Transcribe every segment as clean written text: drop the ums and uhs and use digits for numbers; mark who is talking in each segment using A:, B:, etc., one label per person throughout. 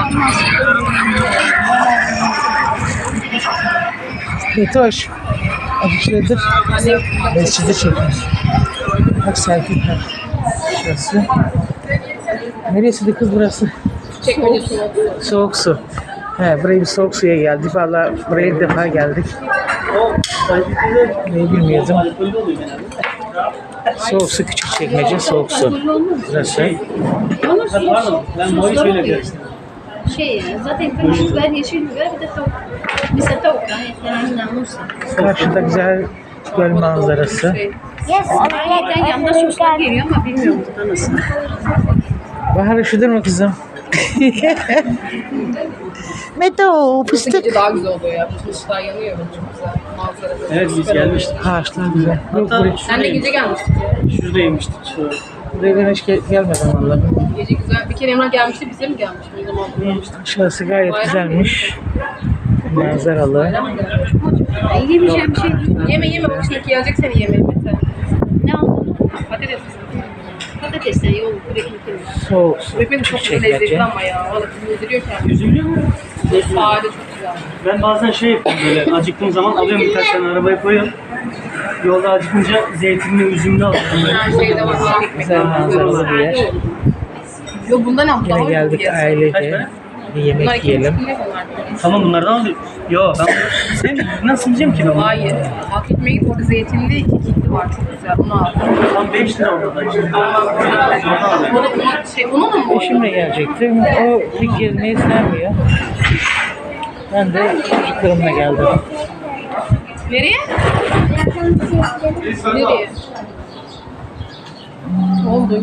A: Betoş. Şuradır. Mescidi çekin. Bak selfie. Şurası. Neresiydi kız burası?
B: Çekmece soğuk.
A: Soğuk su. He, buraya bir soğuk suya geldik. Vallahi buraya ilk defa geldik. Neyi bilmiyordum. Soğuk su, küçük çekmece, soğuk su. Burası.
C: Ben bu hiç öyle görsün.
B: Zaten kırmızı biber, yeşil biber bir de tavuk. Mesela tavuk yani namusa.
A: Karşıda güzel göl manzarası.
B: Ayrıca yanında soslar geliyor ama bilmiyorum burada nasıl.
A: Bahar üşüdün mü kızım? Meto, fıstık.
B: Gece daha güzel oluyor ya. Bütün ışıklar yanıyor. Çok güzel. Manzara.
C: Evet biz gelmiştik.
A: Ağaçlar güzel. Yok,
C: Hatta
B: Sen de gece gelmiştin.
C: şurada yemiştik. Şurada.
A: buraya ben hiç gelmedim vallahi.
B: Gece güzel. Bir kere Emrah gelmişti. Bize mi gelmiş? O zaman bulmamıştık.
A: Şurası gayet güzelmiş. Manzaralı.
B: Yemeyeceğim bir şey değil. Yeme bak şimdi gelecek seni yemeğe Mete. Ne aldın? Patates. Patatesler yol ekmek.
A: Soğuk su,
B: Ekmek
A: küçük
B: çok lezzetli
A: çekmece.
B: ama ya. Valla yediriyor kendini.
C: Üzülüyor mu?
B: Sade çok güzel.
C: Ben bazen şey yapıyorum böyle acıktığım zaman alıyorum birkaç tane arabaya koyuyorum. Yolda acıkınca zeytinli, üzümlü alıyorum.
B: Her şeyde var. Ekmek.
A: Güzel manzaralı bir yer.
B: Yok bundan al.
A: Yine geldik ailece. Bir yemek yiyelim.
C: Tamam bunlardan alıyorum. Yo ben sen nasıl yiyeceğim ki ben bunu?
B: Hayır. Hak etmeye git orada zeytinli iki kitli var çok güzel. Onu al.
C: Tam 5 lira orada da işte.
B: O da onun mu?
A: Eşimle gelecektim. O pek gezmeyi sevmiyor. Ben de çocuklarımla geldim.
B: Nereye? Nereye? Oldu.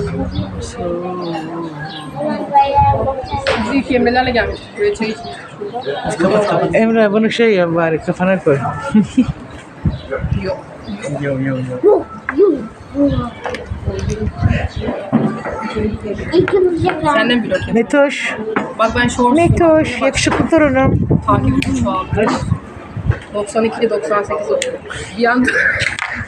B: Biz ilk yemelerle gelmiştik. Buraya çay içmiştik şurada.
A: Emre bunu şey yap bari kafana koy.
B: Yok.
C: Yo.
B: Senden bir bakayım.
A: Metoş,
B: Bak ben shorts
A: Metoş, yakışıklı torunum.
B: takipçi şu anda. 92'de 98 oldu. Bir anda